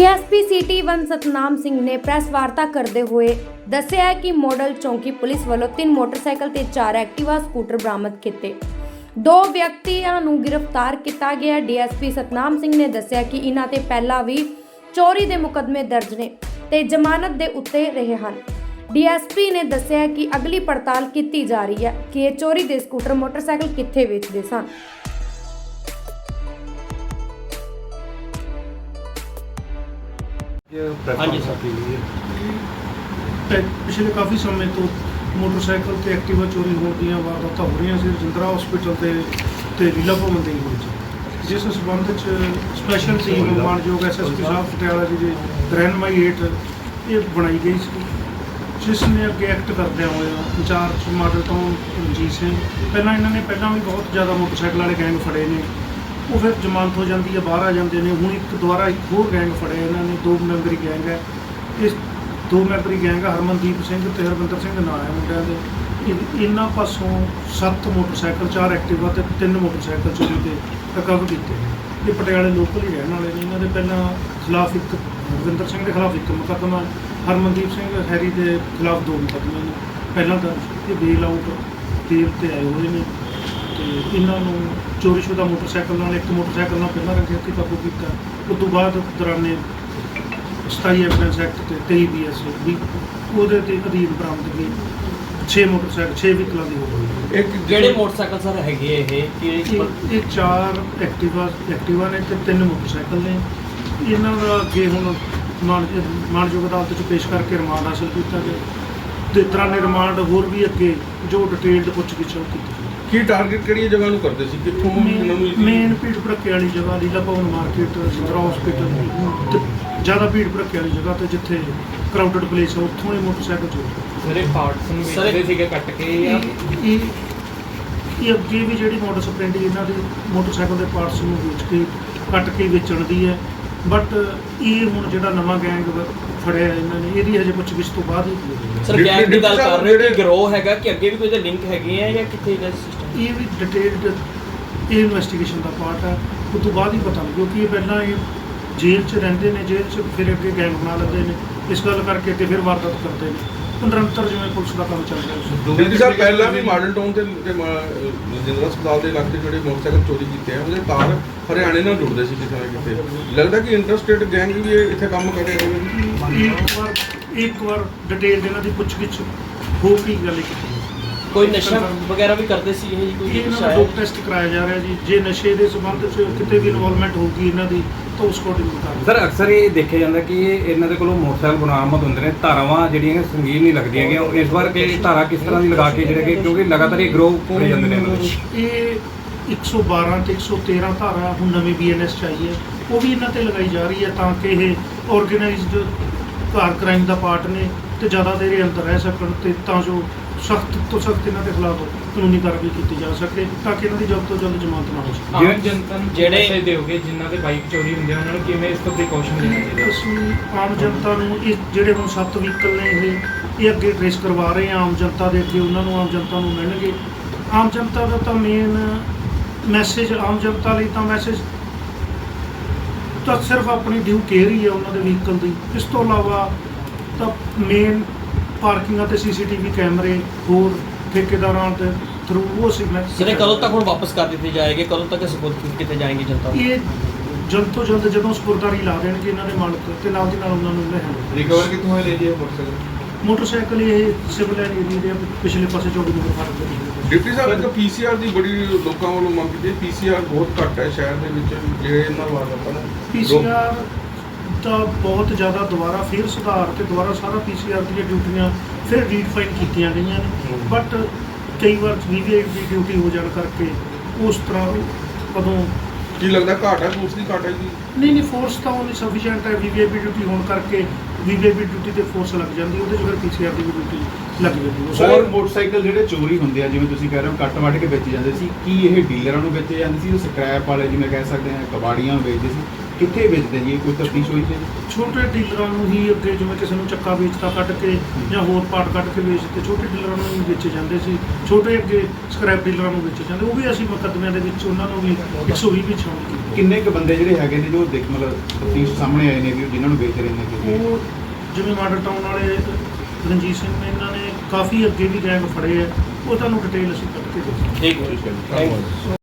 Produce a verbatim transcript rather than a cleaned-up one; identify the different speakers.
Speaker 1: DSP city one Satnam Singh ने press वार्ता करते हुए दस्सिया है कि मॉडल चौकी पुलिस वालों तीन मोटरसाइकिल ते चार एक्टिवा स्कूटर बरामद किए। दो ਵਿਅਕਤੀਆਂ ਨੂੰ गिरफ्तार किया गया। डीएसपी सतनाम सिंह ने दस्सिया कि इन्हां ते पहला भी चोरी के मुकदमे दर्ज ने ते जमानत के उत्ते रहे हैं। डीएसपी ने दस्सिया कि अगली पड़ताल की जा रही है कि ये चोरी के स्कूटर मोटरसाइकिल कित्थे वेचते सन।
Speaker 2: हाँ जी सर,
Speaker 3: पिछले काफ़ी समय तो मोटरसाइकिल ते एक्टिवा चोरी होने दी वारदात हो रही सी रजिंद्रा हॉस्पिटल ते ते लीला भवन दी होई जिस संबंध स्पैशल टीम मानयोग एस एस पी साहब पटियाला जी की रहनुमाई हेठ ये बनाई गई सी, जिसने अगे एक्ट करदे हुए incharge model town Ranjit Singh पहला इन्होंने पहला भी बहुत ज़्यादा मोटरसाइकिल वाले गैंग फड़े ने, वो फिर जमानत हो जाती है, बाहर आ जाते हैं। हूँ एक दोबारा एक होर गैंग फड़े इन्होंने, दो मैंबरी गैंग है। इस दो मैंबरी गैंग है हरमनदीप सिंह ते हरविंदर सिंह नाम है मुंडिया के। इन्हों पासों सत्त मोटरसाइकिल चार एक्टिवा ते तीन मोटरसाइकिल चोरी के रिकवर किए। ये पटियाले लोकल ही रहने वाले ने। इन्होंने पहला खिलाफ एक हरविंदर सिंह के खिलाफ एक मुकदमा, हरमनदीप सिंह हैरी के खिलाफ दो मुकदमे ने पहला दर्ज। ये बेल आउट बेल ते आए हुए हैं तो इन्हों चोरीशुदा मोटरसाइकिल नाल एक मोटरसाइकिल नाल पहला रंगे हत्थी काबू किया। उस तो बाद दौराने सताई एविडेंस एक्ट ते तेई बी एस भी वो अधीन बरामदगी छे मोटरसाइकिल छे व्हीकलों की हो गई।
Speaker 2: एक जेडे मोटरसाइकिल सर हैगे
Speaker 3: ये चार एक्टिवा एक्टिवा ने ते तीन मोटरसाइकिल ने। इन्हों का अगे हुण मानयोग अदालत च पेश करके रिमांड हासिल किया गया ते तरह ने रिमांड होर भी अगे जो डिटेल्ड पुछगिछ की।
Speaker 4: की टारगेट किहड़ी जगह नूं करदे सी, कित्थों इन्हां नूं
Speaker 3: मेन भीड़ भड़के वाली जगह लीला भवन मार्केट रजिंद्रा हॉस्पिटल ज़्यादा भीड़ भड़के वाली जगह तो जिथे क्राउडेड प्लेस है उत्थों ही मोटरसाइकिल चोरी।
Speaker 2: सर पार्ट्स ਵੇਚਦੇ ਸੀਗੇ ਕੱਟ ਕੇ ਜਾਂ
Speaker 3: ਇਹ ਅੱਗੇ ਵੀ ਜਿਹੜੀ ਮੋਟਰ ਸਪਲੈਂਡੀ ਇਹਨਾਂ ਦੇ ਮੋਟਰਸਾਈਕਲ ਦੇ ਪਾਰਟਸ ਨੂੰ ਵੇਚ ਕੇ ਕੱਟ ਕੇ ਵੇਚਣ ਦੀ ਹੈ। ਬਟ ਇਹ ਹੁਣ ਜਿਹੜਾ ਨਵਾਂ ਗੈਂਗ ਫੜਿਆ ਇਹਨਾਂ ਨੇ ਇਹਦੀ ਹਜੇ ਪੁੱਛਗਿੱਛ ਤੋਂ ਬਾਅਦ ਹੀ।
Speaker 2: ਸਰ ਗੈਂਗ ਦੀ ਗੱਲ ਕਰ ਰਹੇ ਹੋ ਕਿ ਗਰੋਹ ਹੈਗਾ ਕਿ ਅੱਗੇ ਵੀ ਕੋਈ ਦੇ ਲਿੰਕ ਹੈਗੇ ਆ ਜਾਂ ਕਿੱਥੇ ਦਾ ਸਿਸਟਮ?
Speaker 3: ਇਹ ਵੀ ਡਿਟੇਲਡ ਇਹ ਇਨਵੈਸਟੀਗੇਸ਼ਨ ਦਾ ਪਾਰਟ ਹੈ, ਉਸ ਤੋਂ ਬਾਅਦ ਹੀ ਪਤਾ ਲੱਗੂ ਕਿਉਂਕਿ ਇਹ ਪਹਿਲਾਂ ਇਹ जेल च रहिंदे ने, जेल च फिर अगे गैंग बना लेंदे ने, इस गल करके ते फिर वारदात करते हैं। निरंतर जिवें पुलिस का काम चल रहा है।
Speaker 4: डिप्टी साहब पहला भी मॉडल टाउन ते रजिंद्रा अस्पताल के इलाके ਜਿਹੜੇ मोटरसाइकिल चोरी ਕੀਤੇ ਆ ਉਹਦੇ ਤਾਰ ਹਰਿਆਣੇ ਨਾਲ ਜੁੜਦੇ ਸੀ ਕਿਤੇ ਨਾ ਕਿਤੇ। ਲੱਗਦਾ ਕਿ ਇੰਟਰਸਟੇਟ ਗੈਂਗ ਵੀ ਇੱਥੇ ਕੰਮ ਕਰ ਰਹੇ ਹੋਵੇ।
Speaker 3: ਇੱਕ ਵਾਰ ਇੱਕ ਵਾਰ ਡਿਟੇਲ ਇਹਨਾਂ ਦੀ ਪੁੱਛਗਿੱਛ ਹੋ ਕੇ ਗੱਲ ਕੀਤੀ।
Speaker 2: ਕੋਈ ਨਸ਼ਾ ਵਗੈਰਾ ਵੀ ਕਰਦੇ ਸੀ ਇਹ ਕੋਈ
Speaker 3: ਇਹਨਾਂ ਦਾ ਡੋਪ ਟੈਸਟ ਕਰਾਇਆ ਜਾ ਰਿਹਾ ਜੀ। ਜੇ ਨਸ਼ੇ ਦੇ ਸੰਬੰਧ 'ਚ ਕਿਤੇ ਵੀ ਇਨਵੋਲਵਮੈਂਟ ਹੋਊਗੀ ਇਹਨਾਂ ਦੀ ਤਾਂ ਉਸ ਅਕੋਰਡਿੰਗ ਕਰਾਂਗੇ।
Speaker 5: ਸਰ ਅਕਸਰ ਇਹ ਦੇਖਿਆ ਜਾਂਦਾ ਕਿ ਇਹਨਾਂ ਦੇ ਕੋਲੋਂ ਮੋਟਰਸਾਈਕਲ ਬਰਾਮਦ ਹੁੰਦੇ ਨੇ, ਧਾਰਾਵਾਂ ਜਿਹੜੀਆਂ ਸੰਗੀਨ ਨਹੀਂ ਲੱਗਦੀਆਂ ਹੈਗੀਆਂ। ਇਸ ਵਾਰ ਕਿ ਧਾਰਾ ਕਿਸ ਤਰ੍ਹਾਂ ਦੀ ਲਗਾ ਕੇ ਜਿਹੜੇ ਕਿ ਕਿਉਂਕਿ ਲਗਾਤਾਰ ਇਹ ਗਰੋਹ ਫੜੇ ਜਾਂਦੇ ਨੇ।
Speaker 3: ਇਹ ਇੱਕ ਸੌ ਬਾਰਾਂ ਤੇ ਇੱਕ ਸੌ ਤੇਰਾਂ ਧਾਰਾ ਹੁਣ ਨਵੀਂ ਬੀ ਐਨ ਐਸ 'ਚ ਆਈ ਹੈ, ਉਹ ਵੀ ਇਹਨਾਂ ਤੇ ਲਗਾਈ ਜਾ ਰਹੀ ਹੈ ਤਾਂ ਕਿ ਇਹ ਆਰਗੇਨਾਈਜ਼ਡ ਕਾਰ ਕ੍ਰਾਈਮ ਦਾ ਪਾਰਟ ਨੇ ਤੇ ਜ਼ਿਆਦਾ ਦੇਰ ਅੰਦਰ ਰਹਿ ਸਕਣ ਤੇ ਤਾਂ ਜੋ ਸਖਤ ਤੋਂ ਸਖਤ ਇਹਨਾਂ ਦੇ ਖਿਲਾਫ ਕਾਨੂੰਨੀ ਕਾਰਵਾਈ ਕੀਤੀ ਜਾ ਸਕੇ ਤਾਂ ਕਿ ਇਹਨਾਂ ਦੀ ਜਲਦ ਤੋਂ ਜਲਦ ਜ਼ਮਾਨਤ ਨਾ ਹੋ ਸਕੇ।
Speaker 6: ਆਮ ਜਨਤਾ ਨੂੰ ਜਿਹੜੇ ਦਿਓਗੇ ਜਿਨ੍ਹਾਂ ਦੇ ਬਾਈਕ ਚੋਰੀ ਹੁੰਦੇ ਆ ਉਹਨਾਂ ਨੂੰ ਕਿਵੇਂ ਇਸ ਤੋਂ ਪ੍ਰੀਕਾਸ਼ਨ ਲੈਣਾ ਚਾਹੀਦਾ?
Speaker 3: ਅਸੀਂ ਆਮ ਜਨਤਾ ਨੂੰ ਇਹ ਜਿਹੜੇ ਹੁਣ ਸੱਤ ਵਹੀਕਲ ਨੇ ਇਹ ਇਹ ਅੱਗੇ ਟ੍ਰੇਸ ਕਰਵਾ ਰਹੇ ਹਾਂ ਆਮ ਜਨਤਾ ਦੇ ਅੱਗੇ, ਉਹਨਾਂ ਨੂੰ ਆਮ ਜਨਤਾ ਨੂੰ ਮਿਲਣਗੇ। ਆਮ ਜਨਤਾ ਦਾ ਤਾਂ ਮੇਨ ਮੈਸੇਜ ਆਮ ਜਨਤਾ ਲਈ ਤਾਂ ਮੈਸੇਜ ਤਾਂ ਸਿਰਫ ਆਪਣੀ ਡਿਊ ਕੇਅਰ ਹੀ ਹੈ ਉਹਨਾਂ ਦੇ ਵਹੀਕਲ ਦੀ। ਇਸ ਤੋਂ ਇਲਾਵਾ ਤਾਂ ਮੇਨ ਪਾਰਕਿੰਗਾਂ ਤੇ ਸੀਸੀਟੀਵੀ ਕੈਮਰੇ ਹੋਰ ਠੇਕੇਦਾਰਾਂ ਦੇ ਥਰੂ ਉਹ ਸੀ ਮੈਂ
Speaker 2: ਸਰ ਕਦੋਂ ਤੱਕ ਹੁਣ ਵਾਪਸ ਕਰ ਦਿੱਤੇ ਜਾਏਗੇ, ਕਦੋਂ ਤੱਕ ਸਪੋਰਟ ਕੀਤੇ ਜਾਣਗੇ ਜਨਤਾ ਨੂੰ?
Speaker 3: ਇਹ ਜਲਦ ਤੋਂ ਜਲਦ ਜਦੋਂ ਸਪੁਰਦਾਰੀ ਲਾ ਦੇਣਗੇ ਇਹਨਾਂ ਦੇ ਮਾਲਕ ਤੇ ਨਾਲ ਦੀ ਨਾਲ ਉਹਨਾਂ ਨੂੰ ਲੈਣ।
Speaker 4: ਰਿਕਵਰ ਕਿੱਥੋਂ ਹੋਏ ਲੈ ਜੀ ਮੋਟਰਸਾਈਕਲ?
Speaker 3: ਮੋਟਰਸਾਈਕਲ ਇਹ ਸਿਵਲ ਲਾਈਨ ਏਰੀਆ ਦੇ ਪਿਛਲੇ ਪਾਸੇ ਚੌਕੀ ਨੰਬਰ ਫਾਰਮ ਦੇ।
Speaker 4: ਡਿਪਟੀ ਸਾਹਿਬ ਇੱਕ ਪੀਸੀਆਰ ਦੀ ਬੜੀ ਲੋਕਾਂ ਵੱਲੋਂ ਮੰਗ ਕੀਤੀ, ਪੀਸੀਆਰ ਬਹੁਤ ਘੱਟ ਹੈ ਸ਼ਹਿਰ ਦੇ ਵਿੱਚ ਜਿਹੜੇ ਇਹਨਾਂ ਵਾਰਦਾਤਾਂ ਦਾ।
Speaker 3: ਪੀਸੀਆਰ ਦਾ ਬਹੁਤ ਜ਼ਿਆਦਾ ਦੁਬਾਰਾ ਫਿਰ ਸੁਧਾਰ ਤੇ ਦੁਬਾਰਾ ਸਾਰਾ ਪੀਸੀਆਰ ਦੀਆਂ ਡਿਊਟੀਆਂ ਫਿਰ ਰੀਡਫਾਈਨ ਕੀਤੀਆਂ ਗਈਆਂ ਨੇ। ਬਟ ਕਈ ਵਾਰ ਵੀ ਵੀ ਦੀ ਡਿਊਟੀ ਹੋ ਜਾਣ ਕਰਕੇ ਉਸ ਤਰ੍ਹਾਂ ਕਦੋਂ
Speaker 4: ਕੀ ਲੱਗਦਾ ਘਾਟ ਹੈ, ਫੋਰਸ ਦੀ ਘਾਟ ਹੈ ਜੀ?
Speaker 3: ਨਹੀਂ ਨਹੀਂ ਫੋਰਸ ਤਾਂ ਉਹਨੀ ਸਫੀਸ਼ੀਐਂਟ ਹੈ। ਵੀ ਵੀ ਆਈ ਪੀ ਡਿਊਟੀ ਹੋਣ ਕਰਕੇ ਵੀ ਵੀ ਆਈ ਪੀ ਡਿਊਟੀ ਤੇ ਫੋਰਸ ਲੱਗ ਜਾਂਦੀ, ਉਹਦੇ 'ਚ ਫਿਰ ਪੀਸੀਆਰ ਦੀ ਵੀ ਡਿਊਟੀ ਲੱਗ ਜਾਂਦੀ।
Speaker 7: ਸਰ ਮੋਟਰਸਾਈਕਲ ਜਿਹੜੇ ਚੋਰੀ ਹੁੰਦੇ ਆ ਜਿਵੇਂ ਤੁਸੀਂ ਕਹਿ ਰਹੇ ਹੋ ਕੱਟ ਵੱਢ ਕੇ ਵੇਚੇ ਜਾਂਦੇ ਸੀ, ਕੀ ਇਹ ਡੀਲਰਾਂ ਨੂੰ ਵੇਚੇ ਜਾਂਦੇ ਸੀ, ਸਕ੍ਰੈਪ ਵਾਲੇ ਜਿਵੇਂ ਕਹਿ ਸਕਦੇ ਆ ਕਬਾੜੀਆਂ ਨੂੰ ਵੇਚਦੇ ਸੀ, ਕਿੱਥੇ ਵੇਚਦੇ ਜੀ, ਕੋਈ ਤਫਤੀਸ਼ ਹੋਈ ਸੀ?
Speaker 3: ਛੋਟੇ ਡੀਲਰਾਂ ਨੂੰ ਹੀ ਅੱਗੇ, ਜਿਵੇਂ ਕਿਸੇ ਨੂੰ ਚੱਕਾ ਵੇਚਤਾ ਕੱਢ ਕੇ ਜਾਂ ਹੋਰ ਪਾਰਟ ਕੱਢ ਕੇ ਵੇਚਦੇ, ਛੋਟੇ ਡੀਲਰਾਂ ਨੂੰ ਹੀ ਵੇਚੇ ਜਾਂਦੇ ਸੀ। ਛੋਟੇ ਅੱਗੇ ਸਕ੍ਰੈਪ ਡੀਲਰਾਂ ਨੂੰ ਵੇਚੇ ਜਾਂਦੇ, ਉਹ ਵੀ ਅਸੀਂ ਮੁਕੱਦਮਿਆਂ ਦੇ ਵਿੱਚ ਉਹਨਾਂ ਨੂੰ ਵੀ ਇੱਕ ਸੌ ਵੀਹ ਵਿੱਚ ਸ਼ਾਮਲ ਕੀਤਾ।
Speaker 7: ਕਿੰਨੇ ਕੁ ਬੰਦੇ ਜਿਹੜੇ ਹੈਗੇ ਨੇ ਜੋ ਦੇਖ ਮਤਲਬ ਤਫਤੀਸ਼ ਸਾਹਮਣੇ ਆਏ ਨੇ ਵੀ ਜਿਨ੍ਹਾਂ ਨੂੰ ਵੇਚ ਰਹੇ ਨੇ ਕਿਤੇ?
Speaker 3: ਉਹ ਜਿਵੇਂ ਮਾਡਲ ਟਾਊਨ ਵਾਲੇ ਰਣਜੀਤ ਸਿੰਘ ਨੇ, ਇਹਨਾਂ ਨੇ ਕਾਫੀ ਅੱਗੇ ਵੀ ਗੈਂਗ ਫੜੇ ਆ, ਉਹ ਤੁਹਾਨੂੰ ਡਿਟੇਲ ਅਸੀਂ ਕੱਢ ਕੇ ਦੇ
Speaker 2: ਠੀਕ ਹੈ। Thank you.